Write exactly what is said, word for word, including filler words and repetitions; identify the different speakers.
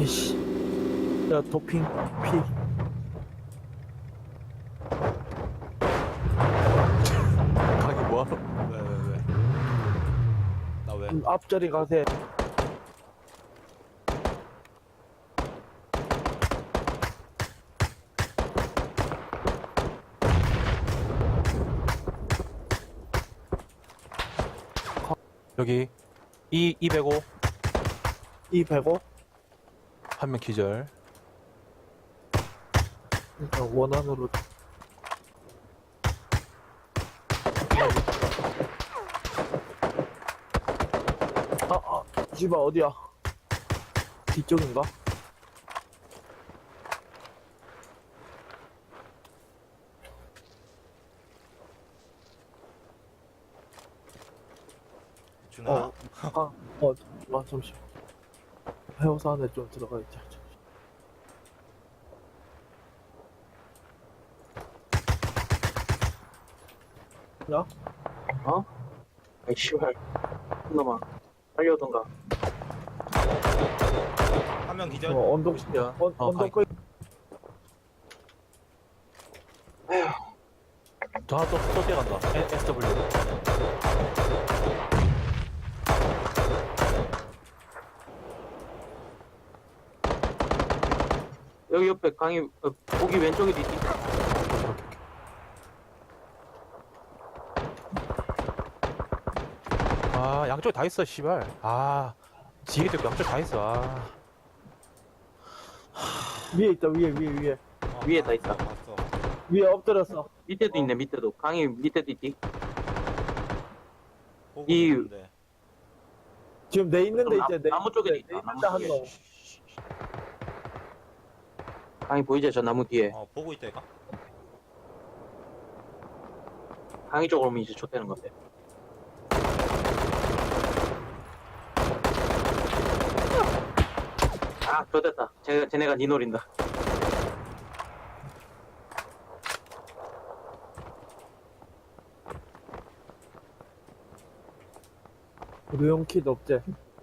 Speaker 1: 아이씨. 야, 도핑, 피.
Speaker 2: 강이 뭐하러?
Speaker 3: 왜, 왜, 왜? 나 왜?
Speaker 1: 음, 앞자리 가세.
Speaker 2: 여기 이 이백오
Speaker 1: 이 백오.
Speaker 2: 한 명 기절.
Speaker 1: 일단 원안으로. 아, 아, 씨발, 어디야? 뒤쪽인가?
Speaker 3: 준아.
Speaker 1: 어, 아, 어, 잠깐만, 잠시만. 해오사 안에 좀 들어가 있자. 야?
Speaker 4: 어? 아이 씨발 놈아 빨리 오던가.
Speaker 3: 한 명 기절.
Speaker 1: 어, 언덕,
Speaker 2: 야,
Speaker 1: 언,
Speaker 2: 어,
Speaker 1: 언덕
Speaker 2: 가-
Speaker 1: 거
Speaker 2: 저 하나 또, 또 뛰어간다. 에- 에스더블유.
Speaker 4: 여기 옆에 강이 어, 고기 왼쪽에도 있지.
Speaker 2: 아, 양쪽에 다 있어, 씨발. 아, 지게 쪽 양쪽 다 있어. 아,
Speaker 1: 위에 있다, 위에, 위에, 위에.
Speaker 3: 어,
Speaker 4: 위에
Speaker 3: 봤어,
Speaker 4: 다 있다.
Speaker 3: 봤어.
Speaker 1: 위에 엎드렸어.
Speaker 4: 밑에도 있네. 밑에도 강이 밑에도 있지.
Speaker 3: 보고
Speaker 4: 이-
Speaker 3: 있는데.
Speaker 1: 지금 내 있는 데
Speaker 4: 나-
Speaker 1: 있지, 내
Speaker 4: 나무 쪽에도
Speaker 1: 있는 데,
Speaker 4: 있다,
Speaker 1: 내 있는
Speaker 4: 나무
Speaker 1: 데 한
Speaker 4: 쪽에.
Speaker 1: 놈.
Speaker 4: 강이 보이지? 저 나무 뒤에.
Speaker 3: 어, 보고 있다, 이거.
Speaker 4: 강이 쪽으로 오면 이제 좁되는 건데. 아, 좋됐다. 쟤, 쟤네가 니 노린다.
Speaker 1: 의료용 킷 없지?